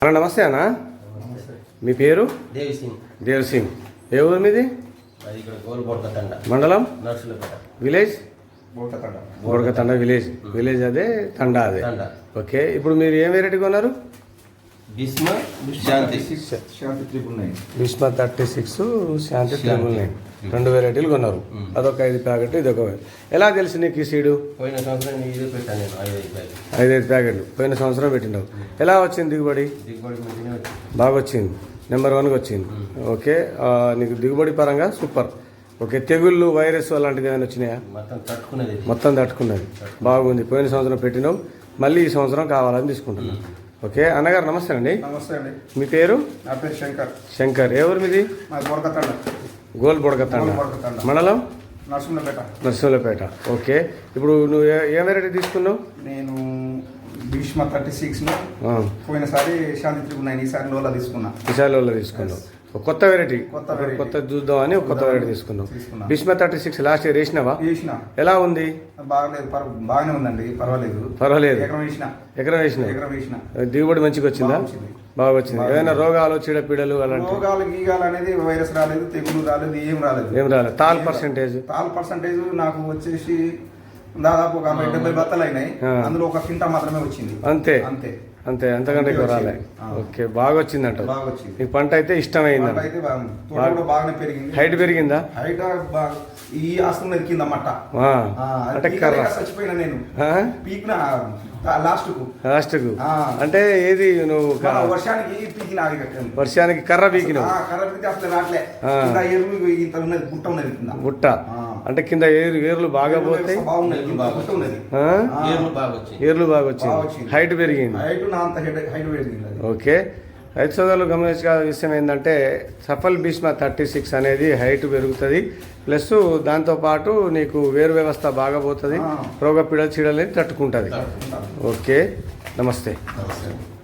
అన్న నమస్తే అన్న. మీ పేరు? దేవ్ సింగ్. ఏ ఊరు మీది? మండలం విలేజ్ బోడకతండ విలేజ్ అదే తండా అదే. ఓకే, ఇప్పుడు మీరు ఏం వెరైటీ కొన్నారు? భీష్మ 36 శాంతి 999 రెండు వెరైటీలు కొన్నారు. అదొక 5 ప్యాకెట్లు, ఇదొక. ఎలా తెలుసు నీకు ఈ సీడు? పోయిన సంవత్సరం 5 ప్యాకెట్లు పోయిన సంవత్సరం పెట్టినావు. ఎలా వచ్చింది దిగుబడి? బాగా వచ్చింది, నెంబర్ 1గా వచ్చింది. ఓకే, నీకు దిగుబడి పరంగా సూపర్. ఓకే, తెగుళ్ళు వైరస్ అలాంటివి ఏమైనా వచ్చినాయా? మొత్తం తట్టుకున్నది, బాగుంది. పోయిన సంవత్సరం పెట్టినావు, మళ్ళీ ఈ సంవత్సరం కావాలని తీసుకుంటున్నాం. ఓకే అన్నగారు నమస్తే అండి. నమస్తే అండి. మీ పేరు? నా పేరు శంకర్. శంకర్. ఏ ఊరు మీది? గోల్ బొడకతండ మండలం నర్సింహులపేట. ఓకే, ఇప్పుడు నువ్వు ఏ వెరైటీ తీసుకున్నావు? నేను భీష్మ 36 పోయినసారి శాంతి 999, ఈసారి లోలా తీసుకున్నావు. కొత్త వెరైటీ కొత్త చూద్దామని కొత్త వెరైటీ తీసుకున్నాం. భీష్మ 36 లాస్ట్ ఇయర్ వేసినావా? ఎలా ఉంది? బాగానే ఉందండి, పర్వాలేదు. ఎకరం వేసిన దిగుబడి మంచిగా వచ్చిందా? బాగా వచ్చింది. ఏమైనా రోగాలు చీడపీడలు అలాంటి రోగాలు గీగాలు అనేది వైరస్ రాలేదు, తెగులు రాలేదు, ఏం రాలేదు. తాల్ పర్సెంటేజ్ నాకు వచ్చేసి దాదాపు ఒక 70 బత్తలు అయినాయి. అందులో ఒక కింటా మాత్రమే వచ్చింది. అంతే, అంతకంటే ఎక్కువ రాలే. ఓకే, బాగా వచ్చిందంట. ఈ పంట అయితే ఇష్టమైంది. బాగానే పెరిగింది. హైట్ పెరిగిందా? హైట్ ఈ ఆస్తున్నది కింద మట్ట. అంటే కర్ర చచ్చిపోయినా నేను పీకిన లాస్ట్ కు అంటే ఏది నువ్వు వర్షానికి పీకిన, వర్షానికి కర్ర పీకినావు. కర్ర పీకి అసలు రాట్లే. ఇంత ఉన్నది, గుట్ట ఉన్నది కింద. గుట్ట అంటే కింద ఏర్లు బాగా పోతాయి. ఏర్లు బాగా వచ్చింది, హైట్ పెరిగింది. ఓకే, రైతు సోదరులు గమనించాల్సిన విషయం ఏంటంటే సఫల్ భీష్మ 36 అనేది హైట్ పెరుగుతుంది, ప్లస్ దాంతోపాటు నీకు వేరు వ్యవస్థ బాగా పోతుంది, రోగ పీడలు చీడలని తట్టుకుంటుంది. ఓకే, నమస్తే.